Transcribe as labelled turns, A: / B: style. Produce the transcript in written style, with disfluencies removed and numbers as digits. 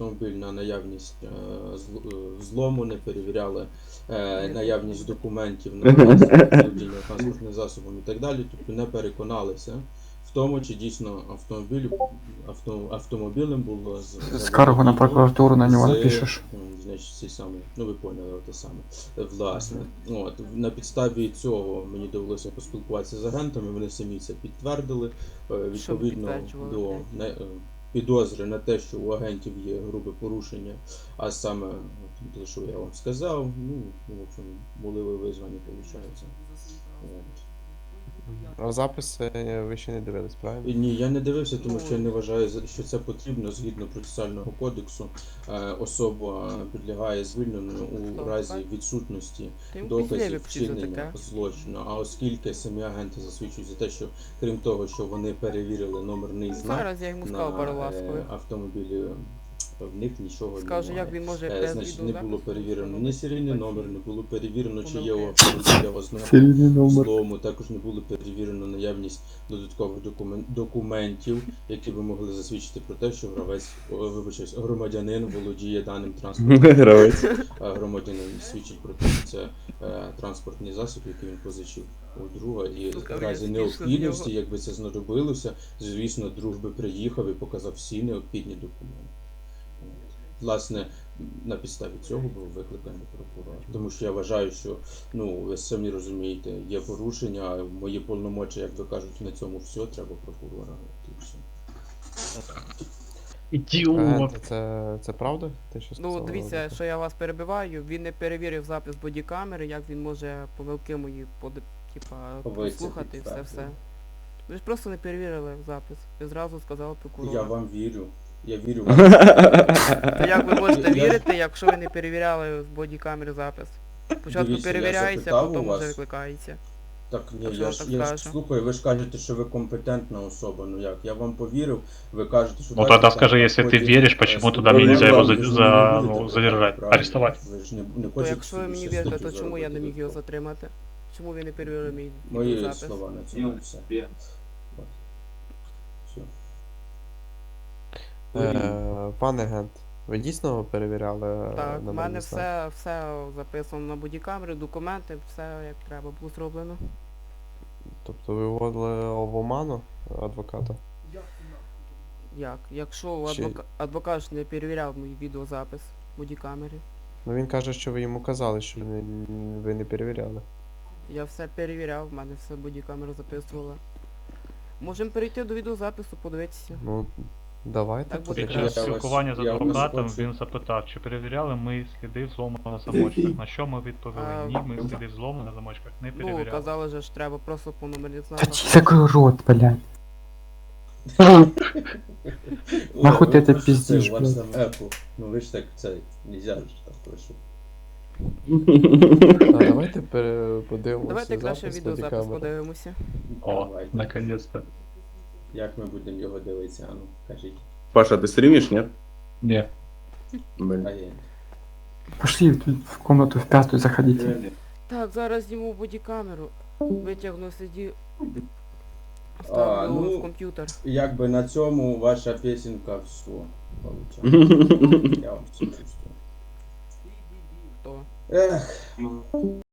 A: автомобіль на наявність злому, не перевіряли наявність документів на володіння транспортним засобом і так далі, тобто не переконалися в тому, чи дійсно автомобілем було
B: Скаргу на прокуратуру на нього напишеш.
A: Значить, ці самі, ну ви поняли те саме, власне. От, на підставі цього мені довелося поспілкуватися з агентами, вони самі це підтвердили, відповідно до підозри на те, що у агентів є грубе порушення, а саме те, що я вам сказав, ну, в общем, були ви визвані, виходить.
C: А записи ви ще не дивились, правильно?
A: Ні, я не дивився, тому що я не вважаю, що це потрібно. Згідно процесуального кодексу, особа підлягає звільненню у разі відсутності доказів вчинення злочину. А оскільки самі агенти засвідчують за те, що крім того, що вони перевірили номерний знак на автомобілі, в них нічого
D: Скажу, як він може без
A: значить, не було перевірено
D: відеозапису
A: ні серійний номер, не було перевірено, чи є у автомобіля ознаки злому, також не було перевірено наявність додаткових документів, які би могли засвідчити про те, що громадянин володіє даним транспортним засобом. Громадянин свідчить про те, що це транспортний засіб, який він позичив у друга, і в разі необхідності, якби це знадобилося, звісно, друг би приїхав і показав всі необхідні документи. Власне, на підставі цього був викликаний прокурор. Тому що я вважаю, що, ну, ви самі розумієте, є порушення, мої повномочі, як ви кажуть, на цьому все, треба прокурора. І все.
E: Ідіот!
C: Це правда? Те, що сказали?
D: Ну, дивіться, що я вас перебиваю, він не перевірив запис бодікамери, як він може помилки мої послухати і все. Ви ж просто не перевірили запис, ви зразу сказали прокурору.
A: Я вам вірю. Я вірю вам.
D: То як ви можете вірити, якщо ви не перевіряли з бодікамери запис? Спочатку
A: Дивіться, я
D: перевіряється,
A: запитав
D: потім
A: у вас.
D: вже викликається.
A: Так, ні,
D: Так що
A: я
D: я
A: ж
D: так
A: я
D: скажу.
A: слухаю, ви ж кажете, що ви компетентна особа. Ну як? Я вам повірив, ви кажете, що...
E: Ну тогда скажи, если ты веришь, почему тогда мне нельзя его задержать, арестовать?
A: Ви ж не
D: То
A: хочете
D: якщо ви
A: собі
D: мені
A: ще
D: вірите,
A: статтю
D: то чому я не
A: заробити
D: міг його
A: додатково?
D: затримати? Чому ви не перевірили мій
A: Мої
D: запис?
A: слова на цьому все. От. Все.
C: Пане агент, ви дійсно перевіряли
D: Так, в
C: номерний
D: мене
C: знак?
D: все записано на бодікамери, документи, все як треба було зроблено.
C: Тобто ви вводили в оману адвоката?
D: Як? Якщо
C: Чи-
D: адвокат ж не перевіряв мій відеозапис бодікамери,
C: Ну він каже, що ви йому казали, що ви не перевіряли.
D: я все перевіряв, в мене все бодікамера записувала. Можемо перейти до відеозапису, подивитися.
C: Ну, давайте.
D: Так буде
E: Під
D: краще.
E: час спілкування з
A: Я вас
E: адвокатом
A: хочу.
E: він запитав, чи перевіряли ми сліди зломаного замочка. На що ми відповіли? Ні, ми сліди злому на замочках не
D: Ну,
E: перевіряли.
D: казали же ж треба просто по номерних
B: Та
D: знаках.
B: чи закрой рот, блядь. Нахуй ти це пиздиш,
A: У вас там
B: блядь.
A: Apple. Ну ви ж так, це, нельзя ж так, прошу.
C: Давайте подивимося
D: Давайте краще
C: запис
D: відеозапис
C: бодікамери.
D: подивимося.
E: О,
A: Давайте.
E: наконец-то.
A: Як ми будемо його дивитися, а ну, кажіть.
F: Паша, ты стримишь, нет?
E: Не.
F: Блин.
A: А я.
B: Пошли тут в комнату в пятую заходите.
D: Так, зараз зніму бодікамеру, витягну CD,
A: А,
D: ставлю
A: ну,
D: в комп'ютер.
A: Якби на цьому ваша пісенька все. Получається. Я вам все чувствую.
D: То.
A: Ех.